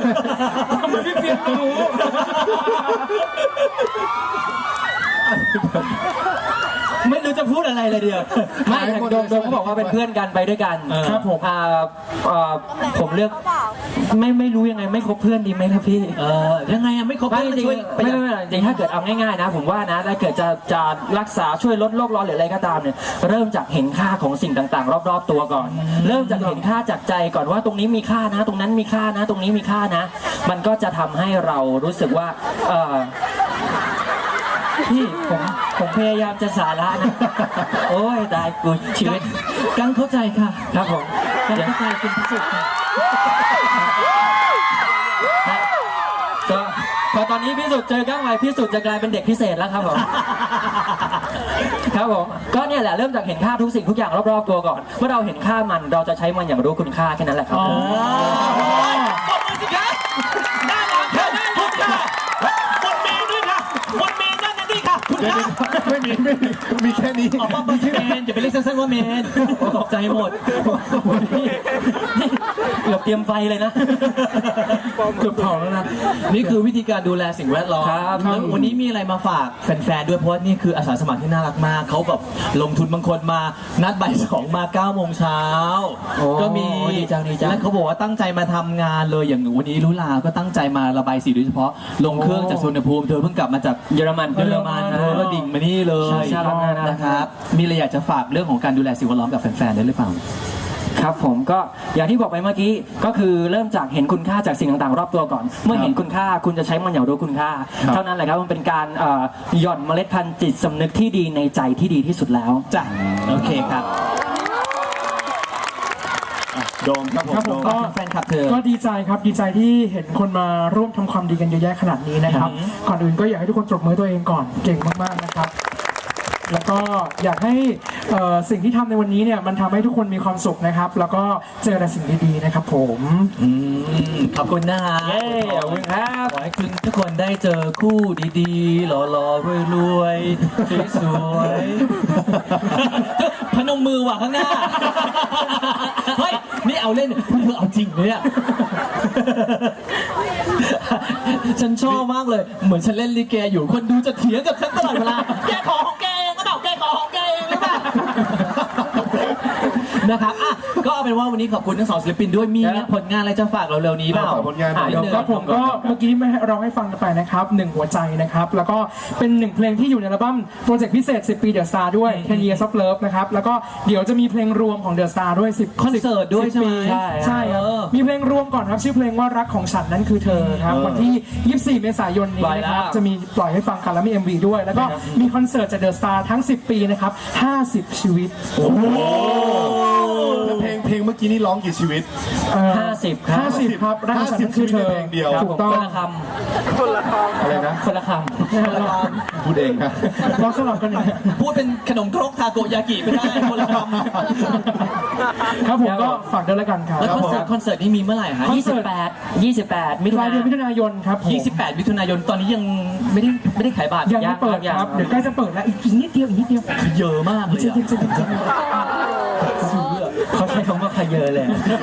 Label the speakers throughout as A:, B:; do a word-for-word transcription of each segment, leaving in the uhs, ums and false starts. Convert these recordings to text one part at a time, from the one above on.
A: ทำไมพี่เฟียนรู้ไม่รู้จะพูดอะไรเลยเดียวไม่โดมโดมเขาบอกว่าเป็นเพื่อนกันไปด้วยกันครับผมอ่าผมเลือกไม่ไม่รู้ยังไงไม่คบเพื่อนดีไหมครับพี่เออยังไงอะไม่คบเพื่อนจริงไม่ไม่จริงถ้าเกิดเอาง่ายๆนะผมว่านะถ้าเกิดจะจะรักษาช่วยลดโลกร้อนหรืออะไรก็ตามเนี่ยเริ่มจากเห็นค่าของสิ่งต่างๆรอบๆตัวก่อนเริ่มจากเห็นค่าจากใจก่อนว่าตรงนี้มีค่านะตรงนั้นมีค่านะตรงนี้มีค่านะมันก็จะทำให้เรารู้สึกว่าเออพี่ผมผมพยายามจะสาระนะโอ้ยตายกูชีวิตกังเข้าใจค่ะครับผมกังเข้าใจคุณพิสุทธิ์ก็พอตอนนี้พิสุทธิ์เจอก้างไว้พิสุทธิ์จะกลายเป็นเด็กพิเศษแล้วครับผมครับผมก็เนี่ยแหละเริ่มจากเห็นค่าทุกสิ่งทุกอย่างรอบๆตัวก่อนเมื่อเราเห็นค่ามันเราจะใช้มันอย่างรู้คุณค่าแค่นั้นแหละครับผม
B: ตบมือสิครับน่ารักค่ะน่ารักค่ะบนเมนด้วยค่ะบนเมนนั่นนั่นนี่ค่ะคุณค่ะ
C: ไม่มีไม่มีมีแค่นี้
B: อ๋อมาชื่อเมนอย่าไปเรียกสั้นๆว่าเมนตกใจหมด
A: เกือบเตรียมไฟเลยนะเกือบเผาแล้วนะ
B: นี่คือวิธีการดูแลสิ่งแวดล้อมแล้ววันนี้มีอะไรมาฝากแฟนๆด้วยเพราะนี่คืออาสาสมัครที่น่ารักมากเขาแบบลงทุนบางคนมานัดบ่ายสองมาเก้าโมงเช้าก็มีและเขาบอกว่าตั้งใจมาทำงานเลยอย่างวันนี้ลุลาก็ตั้งใจมาระบายสีโดยเฉพาะลงเครื่องจากสุวรรณภูมิเธอเพิ่งกลับมาจาก
A: เยอรมัน
B: เยอรมันเธอก็ดิ่งมานี่เลยนะครับมีอะไรอยากจะฝากเรื่องของการดูแลสิ่งแวดล้อมกับแฟนๆได้หรือเปล่า
A: ครับผมก็อย่างที่บอกไปเมื่อกี้ก็คือเริ่มจากเห็นคุณค่าจากสิ่งต่างๆรอบตัวก่อนเมื่อเห็นคุณค่าคุณจะใช้มันอย่างรู้คุณค่าเท่านั้นแหละครับมันเป็นการหย่อนเมล็ดพันธุ์จิตสำนึกที่ดีในใจที่ดีที่สุดแล้ว
B: จ้ะโอเคครับ
C: โดมครับผม
B: ก็แฟนคลับเธอ
D: ก็ดีใจครับดีใจที่เห็นคนมาร่วมทำความดีกันเยอะแยะขนาดนี้นะครับก่อนอื่นก็อยากให้ทุกคนปรบมือตัวเองก่อนเก่งมากๆนะครับแล้วก็อยากให้สิ่งที่ทำในวันนี้เนี่ยมันทำให้ทุกคนมีความสุขนะครับแล้วก็เจอแต่สิ่งดีๆนะครับผม
B: ขอบคุณนะฮะ
A: ขอบคุณครับ
B: ขอให้คุณทุกคนได้เจอคู่ดีๆหล่อๆรวยๆสวยๆพนมมือว่ะข้างหน้าเฮ้ยนี่เอาเล่นเธอเอาจริงเลยอ่ะฉันชอบมากเลยเหมือนฉันเล่นลิเกอยู่คนดูจะเถียงกับฉันตลอดเวลาแกขอของแกเองก็บอกแกขอของแกเองหรือเปล่านะครับอ่ะก็เอาเป็นว่าวันนี้ขอบคุณทั้งสองศิลปินด้วยมีผลงานอะไรจะฝากเราเร็วนี้เปล่า
C: ผลงาน
D: ครับผมก็เมื่อกี้ไม่ร้องให้ฟังกันไปนะครับหนึ่งหัวใจนะครับแล้วก็เป็นหนึ่งเพลงที่อยู่ในอัลบั้มโปรเจกต์พิเศษสิบปีเดอะสตาร์ด้วยten years of love นะครับแล้วก็เดี๋ยวจะมีเพลงรวมของเดอะสตาร์ด้วยสิบ
B: คอนเสิร์ตด้วยใช่ไหม
D: ใช่ครับมีเพลงรวมก่อนครับชื่อเพลงว่ารักของฉันนั้นคือเธอครับวันที่ยี่สิบสี่เมษายนนี้นะครับจะมีปล่อยให้ฟังกันแล้วมี เอ็ม วี ด้วยแล้วก็มีคอนเสิร์ตจากเดอะสตาร์ทั้งสิบปีนะครับห้าสิบชีวิต
C: โอ้โหเพลงเพลงเมื่อกี้นี่ร้องกี่ชีวิต
A: ห้าสิบครับ
D: ห้าสิบครับรักของฉันนั้นคือเธอ
C: เพลงเดียว
D: ถูกต้อง
A: คนละคำคนละคำ
C: อะไรนะ
A: คนละคำ
C: พูดเองครับ
D: ร้องสลับกันอย่าง
B: พูดเป็นขนมครกทาโกยากิไม่ได้คนละค
D: ำครับผมก็ฝากด้วยแล้วกันครับ
B: แล้วคอนเสิร์ตคอนเสิร์ตนี้มีเมื่อไหร่ฮะ
A: ยี่สิบแปด ยี่สิบแปดมิถุนายน
D: มิถุนายนครับ
B: ยี่สิบแปดมิถุนายนตอนนี้ยังไม่ได้ไม่ได้ขายบัตร
D: ยังไม่เปิดครับเดี๋ยวใกล้จะเปิดแล้วอีกนิดเดียวอีกนิดเดียว
B: เยอะมากเลย
A: เขาใช้คำว่าขยเยอะเลย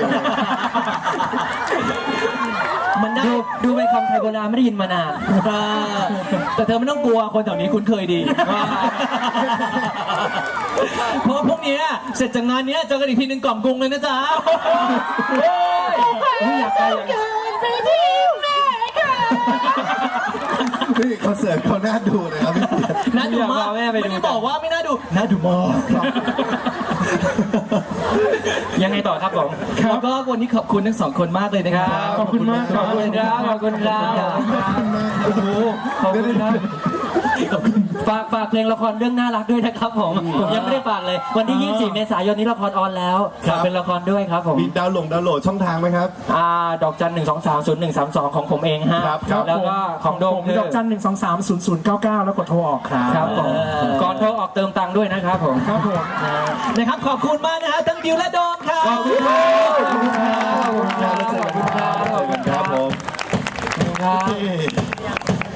A: มันได้ดูเป็นคำไทยโบราณไม่ได้ยินมานาน
B: แต่เธอไม่ต้องกลัวคนแถวนี้คุ้นเคยดีเพราะพวกนี้เสร็จจากงานนี้เจอกันอีกทีหนึ่งกล่อมกรุงเลยนะจ๊ะ
A: อยากไปไปที่แม่ค่ะ
C: นี่คอนเสิร์ตเขาน่าดูเลยครับพี่
B: น่าดูมากไม่ได้บอกว่าไม่น่าดูน่าดูมาก
A: ยังไงต่อครับผม
B: แล้วก็วันนี้ขอบคุณทั้งสองคนมากเลยนะครับ
D: ขอบคุณมาก
A: ขอบคุณครับขอบคุณครับโอ้โหขอบคุณครับฝากฝากเพลงละครเรื่องน่ารักด้วยนะครับผมผมยังไม่ได้ฝากเลยวันที่ยี่สิบสี่เมษายนนี้ละครออนแล้วเป็นละครด้วยครับผม
C: มีดาวน์โหลดดาวน์โหลดช่องทางไหมครับ
A: อ่าดอกจันหนึ่งสองสามศูนย์หนึ่งสามสองของผมเองฮะแล้วก็ของโดม
D: คือดอกจันหนึ่งสองสามศูนย์ศูนย์เก้าเก้าแล้วกดโทรออกครับ
A: ครับผมก่อนโทรออกเติมตังค์ด้วยนะครับผม
D: ครับผม
B: นะครับขอบคุณมากนะฮะทั้งดิวและโดมครับ
A: ขอบคุณครับขอบคุณครับขอบคุณครับขอบคุณครับ
C: ผม
A: ขอบคุณครับ